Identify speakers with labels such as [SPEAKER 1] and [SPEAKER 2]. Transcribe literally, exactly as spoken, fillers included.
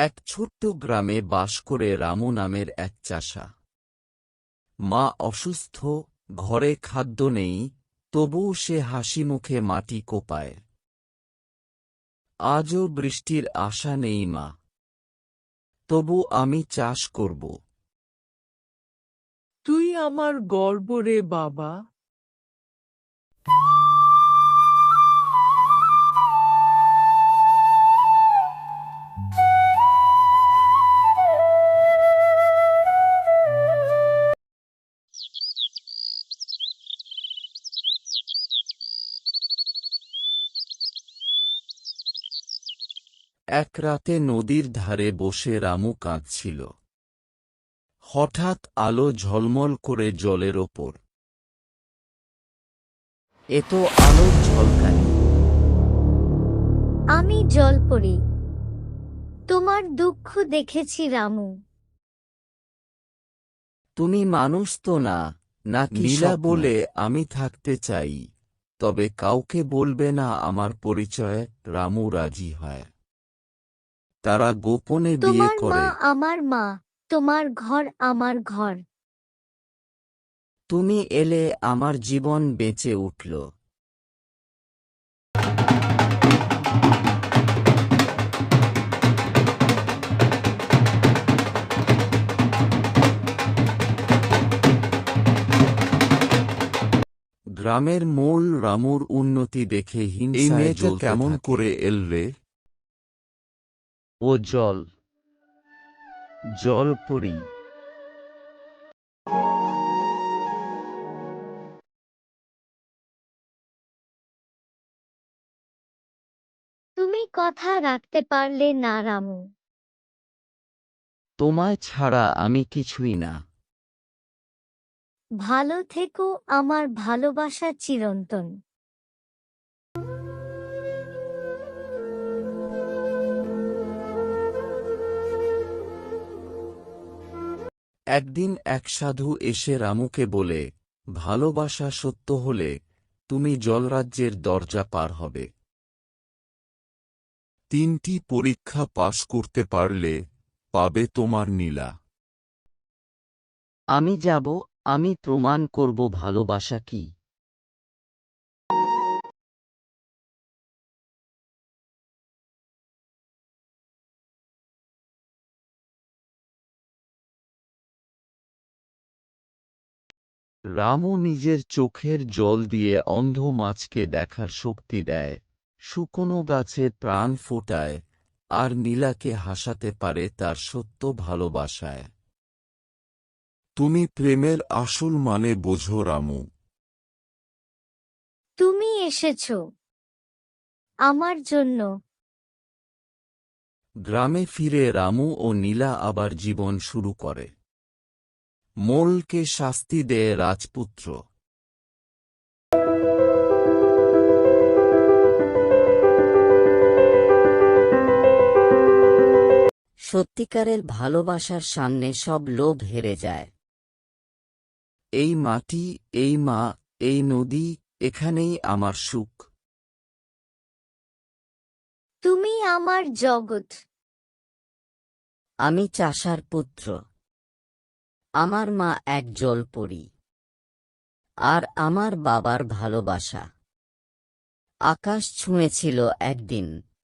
[SPEAKER 1] এক ছোট্ট গ্রামে বাস করে রামু নামের এক চাষা। মা অসুস্থ, ঘরে খাদ্য নেই, তবুও সে হাসিমুখে মাটি কোপায়। আজও বৃষ্টির আশা নেই মা, তবু আমি চাষ করব।
[SPEAKER 2] তুই আমার গর্ব রে বাবা।
[SPEAKER 1] এক রাতে নদীর ধারে বসে রামু কাঁদছিল। হঠাৎ আলো ঝলমল করে জলের ওপর। এ তো আলোর ঝলকানি।
[SPEAKER 3] আমি জলপরি, তোমার দুঃখ দেখেছি রামু।
[SPEAKER 1] তুমি মানুষ তো না, নাকি নীলা বলে আমি থাকতে চাই, তবে কাউকে বলবে না আমার পরিচয়। রামু রাজি হয়। তারা গোপনে বিয়ে
[SPEAKER 3] তোমার মা
[SPEAKER 1] করে।
[SPEAKER 3] আমার মা, তোমার ঘর আমার ঘর।
[SPEAKER 1] তুমি এলে আমার জীবন বেঁচে উঠল। গ্রামের মূল রামুর উন্নতি দেখে হিংসায় জ্বলতে থাকে। এই মেয়েটা কেমন করে এল রে? ও জল, জলপরি।
[SPEAKER 3] তুমি কথা রাখতে পারলে না রামু।
[SPEAKER 1] তোমায় ছাড়া আমি কিছুই না।
[SPEAKER 3] ভালো থেকো, আমার ভালোবাসা চিরন্তন।
[SPEAKER 1] একদিন এক সাধু এসে রামুকে বলে, ভালোবাসা সত্য হলে তুমি জলরাজ্যের দরজা পার হবে। তিনটি পরীক্ষা পাশ করতে পারলে পাবে তোমার নীলা। আমি যাব, আমি প্রমাণ করব ভালোবাসা কি। রামু নিজের চোখের জল দিয়ে অন্ধ মাছকে দেখার শক্তি দেয়, শুকনো গাছে প্রাণ ফোটায়, আর নীলাকে হাসাতে পারে তার সত্য ভালোবাসায়। তুমি প্রেমের আসল মানে বোঝো রামু।
[SPEAKER 3] তুমি এসেছ আমার জন্য।
[SPEAKER 1] গ্রামে ফিরে রামু ও নীলা আবার জীবন শুরু করে। মোলকে শাস্তি দেয় রাজপুত্র। সত্যিকারের ভালোবাসার সামনে সব লোভ হেরে যায়। এই মাটি, এই মা, এই নদী, এখানেই আমার সুখ।
[SPEAKER 3] তুমি আমার জগৎ।
[SPEAKER 4] আমি চাষার পুত্র, আমার মা এক জলপরি, আর আমার বাবার ভালোবাসা আকাশ ছুঁয়েছিল একদিন।